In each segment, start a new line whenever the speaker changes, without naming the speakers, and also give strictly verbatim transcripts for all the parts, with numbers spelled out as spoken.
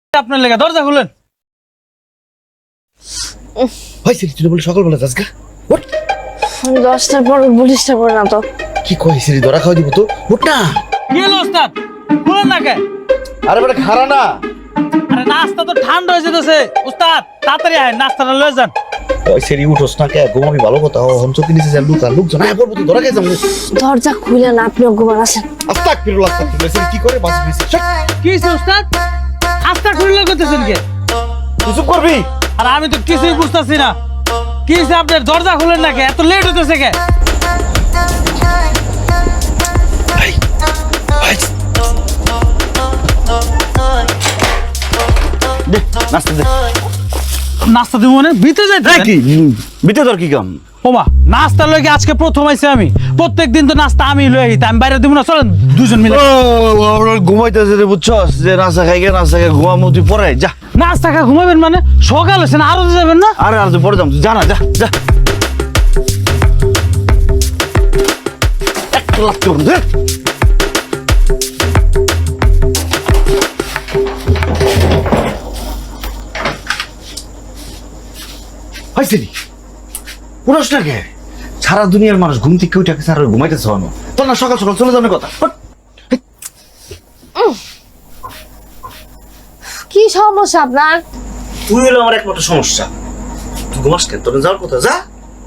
আপনার লেগে দরজা খুলেন।
ভাই সিরি তুই বলে সকালবেলা যাস গা ওঠ।
দশটার পর পুলিশটা পড়ে না তো
কি কই সিরি ধরা খাওয়া দিব তো ওঠ না।
কি হলো ওস্তাদ, খুলেন না কে?
আরে বেটা খারা না।
আরে নাস্তা তো ঠান্ডা হয়ে যেতেছে ওস্তাদ, তাড়াতাড়ি আয় নাস্তাটা লয়ে যান।
ওই সিরি উঠোস না কে, ঘুমাবি ভালো কথা। ও হমচো কি নিচে যা লুকা লোকজন আয় পড়বো তো ধরা খাই যাবো।
দরজা খুলে না, আপনি ঘুমান আসেন।
আস্তাগফিরুল্লাহ আস্তাগফিরুল্লাহ। সিরি কি করে বাঁচি নিছে
কি হইছে ওস্তাদ, আস্তা খুলে করতেছেন কে?
তুই চুপ করবি।
আর আমি তো কিছুই বুঝতেছি না কি হইছে আপনার, দরজা খুলেন না কে? এত লেট হইতেছে কে?
ভাই ভাই দে নাস্তা দে।
নাস্তা দিব মানে ভিতরে যাইতে
কি বিতে তোর কি কাম?
ওমা নাস্তা লইকে আজকে প্রথম আইছে আমি, প্রত্যেকদিন তো নাস্তা আমি লই আইতে, আমি বাইরে দিব না, চলেন দুজন মিলে।
ঘুমাইতেছে রে বুঝছস, যে নাস্তা খাই গে নাস্তা খাই ঘুমামু, তুই পরে যা।
নাস্তা খা ঘুমাবেন মানে? সকাল হয়েছে না, আরো যাবেন না?
আরে আর তুই পরে যাম, তুই যা না, যা যা। একটা লাগতে পারুন দে। হয়েছে নি পুরোস না কে? সারা দুনিয়ার মানুষ ঘুম থেকে উঠে গেছে আর ঘুমাইতেছে হনো তোর না? সকাল সকাল চলে যাওয়ার কথা।
কি সমস্যা আপনার?
তুই হলো আমার একমাত্র সমস্যা। তুই ঘুমাস কেন? তোর যাওয়ার কথা, যা।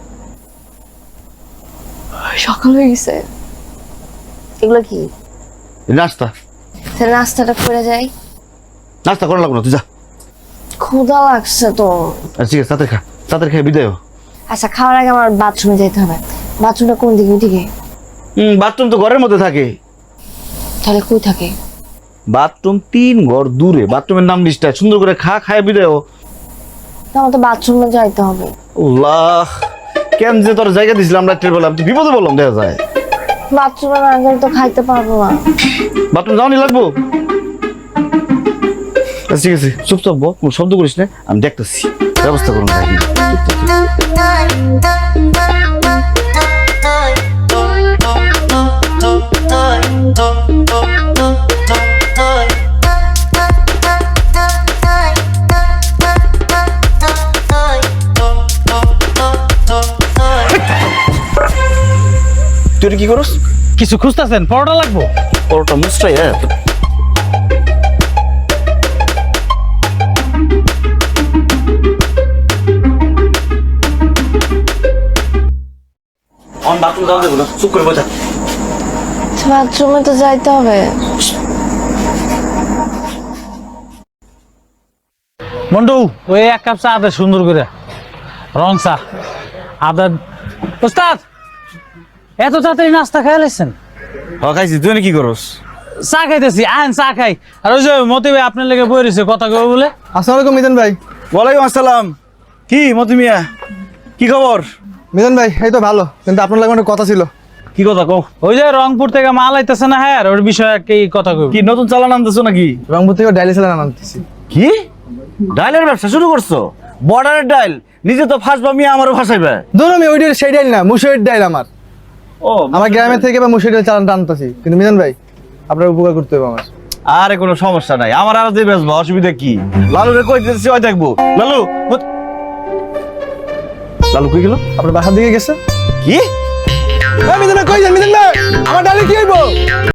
সকাল হয়ে গেছে, এগুলো কি?
নাস্তা
তাহলে নাস্তাটা করে যাই।
নাস্তা করা লাগলো না, তুই যা।
ক্ষুধা লাগছে তো।
আচ্ছা ঠিক আছে, তাতে খা, তাতে খেয়ে বিদায় হ।
আচ্ছা, খাওয়ার আগে আমার বাথরুমে যেতে হবে। বাথরুমটা কোন দিকে? ওদিকে?
হম বাথরুম তো ঘরের মধ্যে থাকে।
তাহলে কই থাকে?
বাথরুম তিন ঘর দূরে। বাথরুমের নাম লিস্টটা সুন্দর করে খা, খায় বিদায় হ।
আমার তো বাথরুমে যাইতে হবে।
আল্লাহ, কেন যে তোর জায়গা দিছিলাম রাত্রের বেলা, তুই বিপদে বললাম, দেখা যায়।
বাথরুমে না গেলে তো খাইতে পারবো না।
বাথরুম যাওয়ানি লাগবো? আচ্ছা ঠিক আছে, চুপচাপ বল, কোনো শব্দ করিস না, আমি দেখতেছি ব্যবস্থা করুন। তুই কি করস?
কিছু খুঁজতেছেন? পরোটা লাগবো?
পরোটা মুসরাই হ্যাঁ। অন বাথরুম যাওয়া দেবো না, চুপ করে বোঝা।
বাথরুমে তো যাইতে হবে।
মন্টু ওই এক কাপ চা দে, সুন্দর করে রং চা আদা। ওস্তাদ এত তাড়াতাড়ি নাস্তা খাই লাইছেন?
হ খাইছি, তুই কি করস?
চা খাইতেছি, আহেন চা খাই। আর ওই যে মতি ভাই আপনার লেগে বই রয়েছে, কথা কবে বলে।
আসসালামু আলাইকুম মিজান ভাই।
ওয়ালাইকুম আসসালাম। কি মতি মিয়া, কি খবর?
মিজান ভাই এই তো ভালো, কিন্তু আপনার লাগে একটা কথা ছিল।
কি কথা কও?
ওই যে রংপুর থেকে মাল আইতেছে না, হ্যাঁ ওর বিষয়ে কি কথা কই?
কি নতুন চালান আনতেছো নাকি?
রংপুর থেকে ডাইলি সেলার আনতেছি।
কি ডাইলের ব্যবসা শুরু করছো? বর্ডারের ডাইল? নিজে তো ফাঁসবা মিয়া, আমারও ফাঁসাইবে।
ধরুন আমি ওইটার সেই ডাইল না, মুসুরির ডাইল আমার।
ও
আমার গ্রামের থেকে বা মুসুরির ডাইল চালানটা আনতেছি, কিন্তু মিজান ভাই আপনার উপকার করতে হবে আমার।
আরে কোনো সমস্যা নাই, আমার আর যে বেচবো, অসুবিধা কি? লালু রে কই দিতেছি, ওই দেখবো। লালু কোথ- লালু কই গেল?
আপনার বাসার দিকে গেছে।
কি
মিজান ভাই কই যান? মিজান ভাই আমার ডাইলে কি হইব?